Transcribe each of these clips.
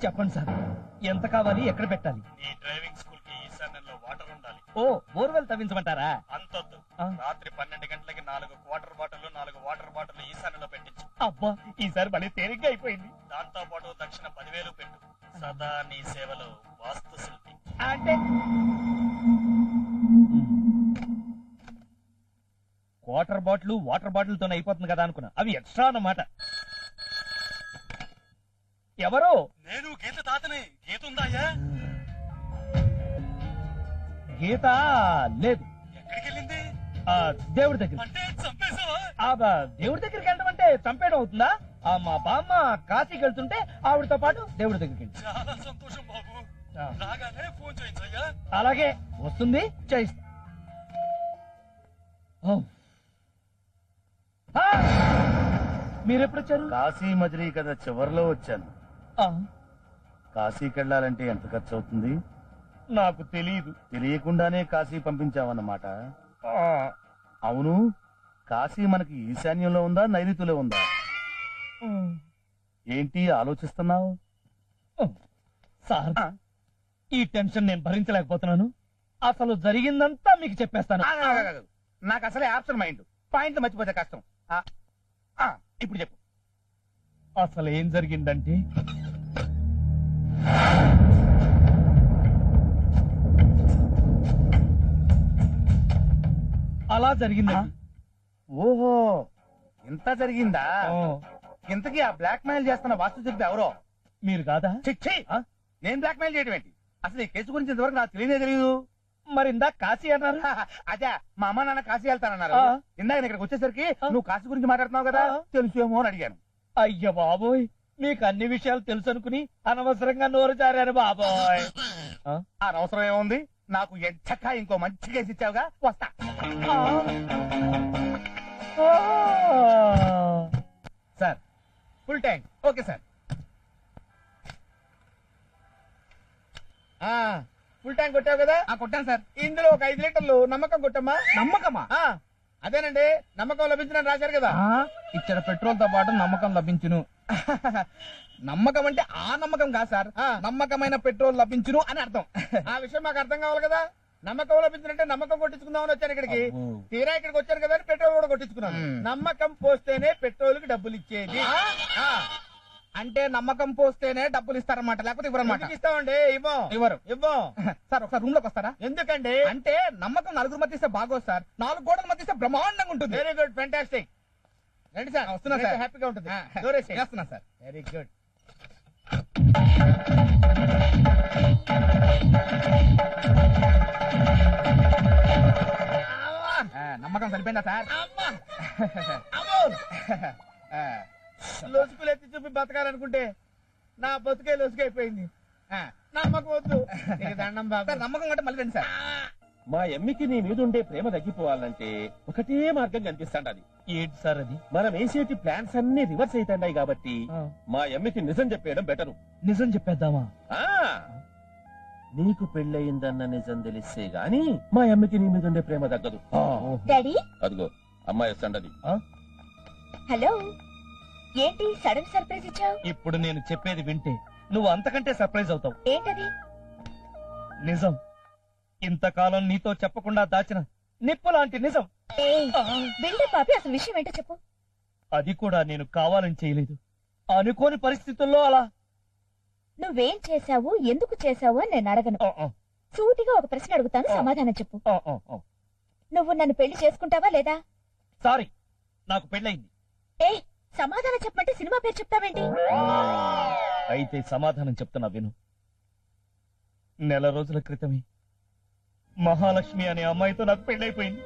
చెప్పండి సార్, ఎంత కావాలి, ఎక్కడ పెట్టాలి? నీ డ్రైవింగ్ స్కూల్ కి ఈశాన్యంలో వాటర్ ఉండాలి. ఓ, బోర్వెల్ తవ్వించమంటారా? అంతొద్దు, ఆ. రాత్రి 12 గంటలకి 4 వాటర్ బాటిల్ 4 వాటర్ బాటిల్ ఈశాన్యంలో పెట్టించు. అబ్బా, ఈసారి మళ్ళీ తేలిగ్గా అయిపోయింది. దాంతో పాటు దక్షిణ 10,000 పెట్టు. సదా నీ సేవలో వాస్తు శిల్పి. అంటే వాటర్ బాటిల్ తోనే అయిపోతుంది కదా అనుకున్నా, అవి ఎక్స్ట్రా అన్నమాట. ఎవరు? నేను గీత తాతని. గీత ఉందాయా? గీత లేదు. ఎక్కడికి వెళ్ళింది? దేవుడి దగ్గర. అంటే చంపేశావా? దేవుడి దగ్గరికి వెళ్ళడం అంటే చంపేయడం అవుతుందా? మా బామ్మ కాశీకి వెళ్తుంటే ఆవిడతో పాటు దేవుడి దగ్గరికి వెళ్ళి. చాలా సంతోషం బాబు. రాగానే ఫోన్ చేయించయ్యా. అలాగే, వస్తుంది, చేయిస్తా. మీరెప్పుడొచ్చారు? కాశీ మజిలీ కదా చివరిలో వచ్చాను. కాశీకి వెళ్ళాలంటే ఎంత ఖర్చు అవుతుంది? నాకు తెలియదు. తెలియకుండానే కాశీ పంపించావన్నమాట. అవును, కాశీ మనకి ఈశాన్యంలో ఉందా, నైరుతిలో ఉందా? ఏంటి ఆలోచిస్తున్నావు? సార్, ఈ టెన్షన్ నేను భరించలేకపోతున్నాను. అసలు జరిగిందంతా మీకు చెప్పేస్తాను. నాకు అసలే ఆప్షన్ మైండ్, పాయింట్ మర్చిపోతే కష్టం. ఇప్పుడు చెప్పు. అసలు ఏం జరిగిందంటే, అలా జరిగిందండి. ఓహో, ఇంత జరిగిందా? ఇంతకీ ఆ బ్లాక్ మెయిల్ చేస్తున్న వాస్తు శిల్పి ఎవరో? మీరు కాదా? చిచ్చి, నేను బ్లాక్ మెయిల్ చేయడం ఏంటి? అసలు ఈ కేసు గురించి ఇంతవరకు నాకు తెలియదు. మరి ఇందాక కాశీ అన్నారు. అదే, మా అమ్మ నాన్న కాశీ వెళ్తానన్నారు. ఇందాక నేను ఇక్కడికి వచ్చేసరికి నువ్వు కాశీ గురించి మాట్లాడుతున్నావు కదా, తెలుసేమో అని అడిగాను. అయ్య బాబోయ్, మీకు అన్ని విషయాలు తెలుసు అనుకుని అనవసరంగా నోరు జారాను బాబోయ్. అనవసరం ఏముంది, నాకు ఎంచక్క ఇంకో మంచి కేసు ఇచ్చావుగా, వస్తా. Sir, full tank. Okay sir. Full tank కొట్టావు కదా? కొట్టాను సార్. ఇందులో ఒక 5 లీటర్లు నమ్మకం కొట్టమ్మా. నమ్మకమా? అదేనండి, నమ్మకం లభించిన రాశారు కదా. ఇచ్చిన పెట్రోల్ తో పాటు నమ్మకం లభించును. నమ్మకం అంటే ఆ నమ్మకం కాదు సార్, నమ్మకమైన పెట్రోల్ లభించును అని అర్థం. ఆ విషయం మాకు అర్థం కావాలి కదా. నమ్మకం లభించినంటే నమ్మకం కొట్టించుకుందామని వచ్చాను ఇక్కడికి. తీరా ఇక్కడికి వచ్చాను కదా అని పెట్రోల్ కూడా కొట్టించుకున్నాను. నమ్మకం పోస్తేనే పెట్రోల్ కి డబ్బులు ఇచ్చేది. అంటే నమ్మకం పోస్తేనే డబ్బులు ఇస్తారన్నమాట, లేకపోతే ఇవ్వరన్నమాట. ఇస్తామండి. ఇవ్వరు. ఇవ్వం. సార్, ఒకసారి రూమ్ లోకి వస్తారా? ఎందుకండి? అంటే నమ్మకం నలుగురు మధ్య ఇస్తే బాగోదు సార్, 4 గోడల మధ్య ఇస్తే బ్రహ్మాండంగా ఉంటుంది. Very good, fantastic. రండి సార్, వస్తున్నా సార్. హ్యాపీగా ఉంటుంది. చేస్తున్నా సార్. Very good. నమ్మకం సరిపోయిందా సార్? లొసుకులు ఎత్తి చూపి బతకాలనుకుంటే నా బతుకే లొసుకైపోయింది. నమ్మకం వద్దు. దండం బాబు. నమ్మకం అంటే మళ్ళీ రండి సార్. మా ఎమ్మికి నీ మీద ఉండే ప్రేమ తగ్గిపోవాలంటే ఒకటే మార్గం కనిపిస్తాండది. ఏంటి సార్ అది? మనం వేసేటి ప్లాన్స్ అన్ని రివర్స్ అవుతాయి కాబట్టి మా ఎమ్మికి నిజం చెప్పేయడం బెటరు. నిజం చెప్పేద్దామా? నీకు పెళ్ళయిందన్న నిజం తెలిస్తే గాని మా ఎమ్మికి నీ మీద ఉండే ప్రేమ తగ్గదు. డాడీ, అదిగో అమ్మాయి వస్తాండది. హలో. ఏంటి సడన్ సర్ప్రైజ్ ఇచ్చావు? ఇప్పుడు నేను చెప్పేది వింటే నువ్వు అంతకంటే సర్ప్రైజ్ అవుతావు. ఏంటది? నిజం, ఇంతకాలం నీతో చెప్పకుండా దాచిన నిప్పు లాంటి నిజం. బిల్డప్ పాపి, అసలు విషయం ఏంటో చెప్పు. అది కూడా నేను కావాలని చేయలేదు, అనుకోని పరిస్థితుల్లో అలా. నువ్వేం చేశావు, ఎందుకు చేశావు అని నేను అడగను. సూటిగా ఒక ప్రశ్న అడుగుతాను, సమాధానం చెప్పు. నువ్వు నన్ను పెళ్లి చేసుకుంటావా లేదా? సారీ, నాకు పెళ్ళయింది. ఏ, సమాధానం చెప్పమంటే సినిమా పేరు చెప్తావేంటి? అయితే సమాధానం చెప్తున్నా విను. నెల రోజుల క్రితమే మహాలక్ష్మి అనే అమ్మాయితో నాకు పెళ్ళైపోయింది.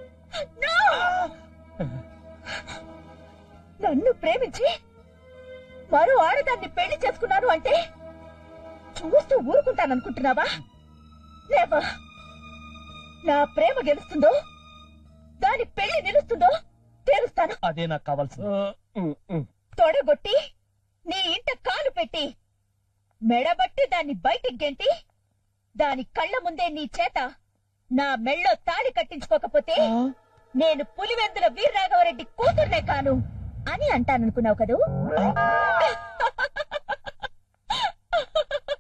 నన్ను ప్రేమించి మరో ఆడదాన్ని పెళ్లి చేసుకున్నాను అంటే చూస్తూ ఊరుకుంటాననుకుంటున్నావా? లేవా? నా ప్రేమ గెలుస్తుందో, దాని పెళ్లి నిలుస్తుందో తేలుస్తాను. అదే నాకు కావాల్సింది. తొడగొట్టి నీ ఇంట కాలు పెట్టి మెడబట్టి దాన్ని బయటికి గెంటి దాని కళ్ళ ముందే నీ చేత నా మెళ్ళో తాళి కట్టించుకోకపోతే నేను పులివెందుల వీరరాఘవరెడ్డి కూతుర్నే కాను అని అంటాననుకున్నావు కదూ?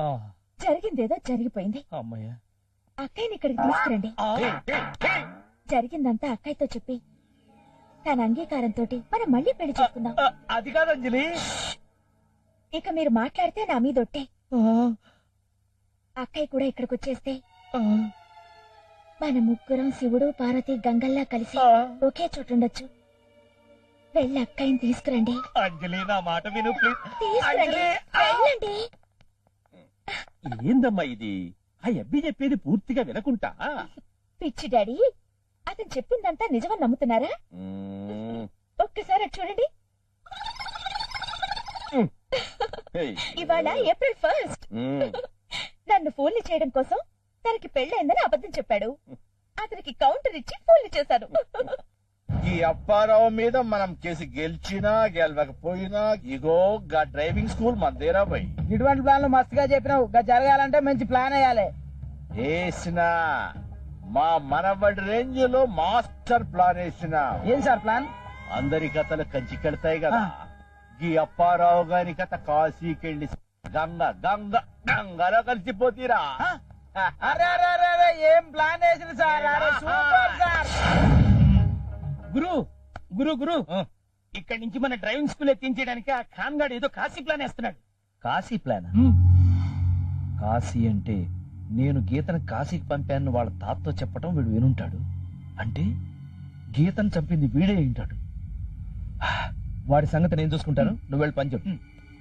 జరిగిందేదో జరిగిపోయింది. అమ్మయ్య. అక్కయ్యని ఇక్కడికి తీసుకురండి. జరిగిందంతా అక్కయ్యతో చెప్పి తన అంగీకారంతో మనం మళ్ళీ పెళ్లి చేసుకుందాం. అది కాదు అంజలి. ఇక మీరు మాట్లాడితే నా మీదొట్టే. అక్కయ్య కూడా ఇక్కడికి వచ్చేస్తే మన ముగ్గురం శివుడు పార్వతి గంగల్లా కలిసి ఒకే చోటుండొచ్చు. వెళ్ళి అక్కయ్యని తీసుకురండి. అంజలి నా మాట విను ప్లీజ్. తీసుకురండి, వెళ్ళండి. ఏందమ్మా ఇది? ఆ అబ్బి చెప్పేది పూర్తిగా వినకుంటా. పిచ్చి డాడీ, అతను చెప్పిందంతా నిజమని నమ్ముతున్నారా? ఒక్కసారి అటు చూడండి. ఇవాళ ఏప్రిల్ 1st. నన్ను ఫోన్లు చేయడం కోసం తనకి పెళ్ళైందని అబద్ధం చెప్పాడు. అతనికి కౌంటర్ ఇచ్చి ఫోన్లు చేశాను. ఈ అప్పారావు మీద మనం కేసు గెలిచినా గెలవకపోయినా ఇగో గా డ్రైవింగ్ స్కూల్ మందేరా పోయి ఇటువంటి ప్లాన్లు మస్తుగా చెప్పినావు. జరగాలంటే మంచి ప్లాన్ వేయాలి. వేసిన మా మనబడి రేంజ్ లో మాస్టర్ ప్లాన్ వేసిన. ఏం సార్ ప్లాన్? అందరి కథలు కంచికెడతాయి కదా. ఈ అప్పారావు గారి కథ కాశీకెళ్ళి గంగలో కలిసిపోతీరా. అరే అరే అరే అరే, ఏం ప్లాన్ వేసింది సార్? అరే సూపర్ సార్. గురు గురు గురు ఇక్కడి నుంచి మన డ్రైవింగ్ స్కూల్ ఎత్తించడానికి ఆ ఖాన్ గాడు ఏదో కాశీ ప్లాన్ వేస్తున్నాడు. కాశీ ప్లాన్? కాశీ అంటే నేను గీతను కాశీకి పంపాను వాళ్ళ తాతతో చెప్పటం వీడు వినుంటాడు. అంటే గీతను చంపింది వీడే ఉంటాడు. వాడి సంగతి నేను చూసుకుంటాను, నువ్వు వెళ్ళి పని చెప్పు.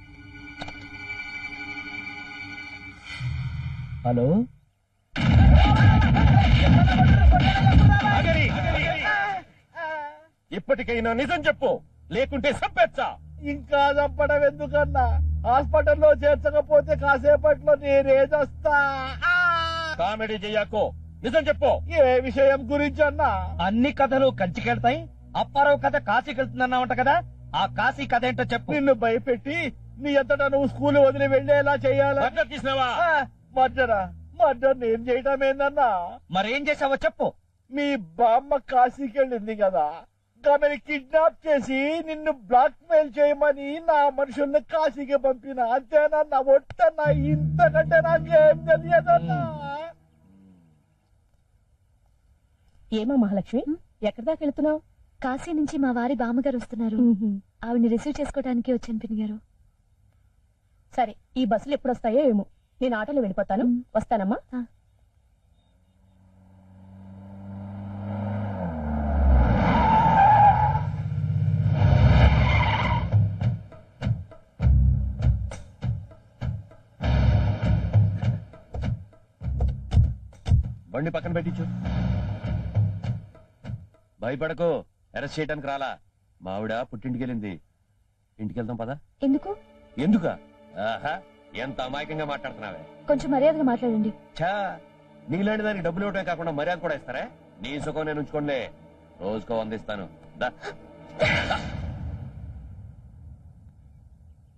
హలో, ఇప్పటికైనా నిజం చెప్పు, లేకుంటే సంపెచ్చా. ఇంకా చంపడం ఎందుకన్నా? హాస్పిటల్లో చేర్చకపోతే కాసేపట్లో నేనేదొస్తా. కామెడీ చెయ్యకో, నిజం చెప్పు. ఏ విషయం గురించి అన్నా? అన్ని కథలు కంచికెడతాయి. అప్పారావు కథ కాశీకి వెళ్తుందన్నావంట కదా, ఆ కాశీ కథ ఏంటో చెప్పు. నిన్ను భయపెట్టి నీ అంతటా నువ్వు స్కూల్ వదిలి వెళ్లేలా చెయ్యాలా? మద్దతు తీసినావా? మర్డర్ నేను చేయటం ఏందన్నా? మరేం చేసావో చెప్పు. మీ బామ్మ కాశీకి వెళ్ళింది కదా, ఆమెను కిడ్నాప్ చేసి నిన్ను బ్లాక్ మెయిల్ చేయమని నా మనుషుల్ని కాశీకి పంపిన. అంతేనన్నా? ఒట్టన్నా? ఇంతకంటే నాకేం తెలియదన్నా. ఏమో మహాలక్ష్మి, ఎక్కడి దాకా వెళ్తున్నావు? కాశీ నుంచి మా వారి బామ్మగారు వస్తున్నారు. ఆవిడ్ని రిసీవ్ చేసుకోవడానికి వచ్చాను పిన్ని గారు. సరే, ఈ బస్సులు ఎప్పుడు వస్తాయో ఏమో. నేను ఆటోలో వెళ్ళిపోతాను. వస్తానమ్మా. బండి పక్కన పెట్టించు. భయపడకు, అరెస్ట్ చేయడానికి రాలా. మావిడ పుట్టింటికి వెళ్ళింది. ఇంటికి వెళ్దాం పదా. ఎందుకు? ఎందుక? ఆహా, ఎంత అమాయకంగా మాట్లాడుతున్నావే. కొంచెం మర్యాదగా మాట్లాడండి. ఛా, నీలాంటి దానికి డబ్బులు ఇవ్వటమే కాకుండా మర్యాద కూడా ఇస్తారా? నీ సుఖం నేను ఉంచుకోండి. రోజుకో 100 ఇస్తాను. దా.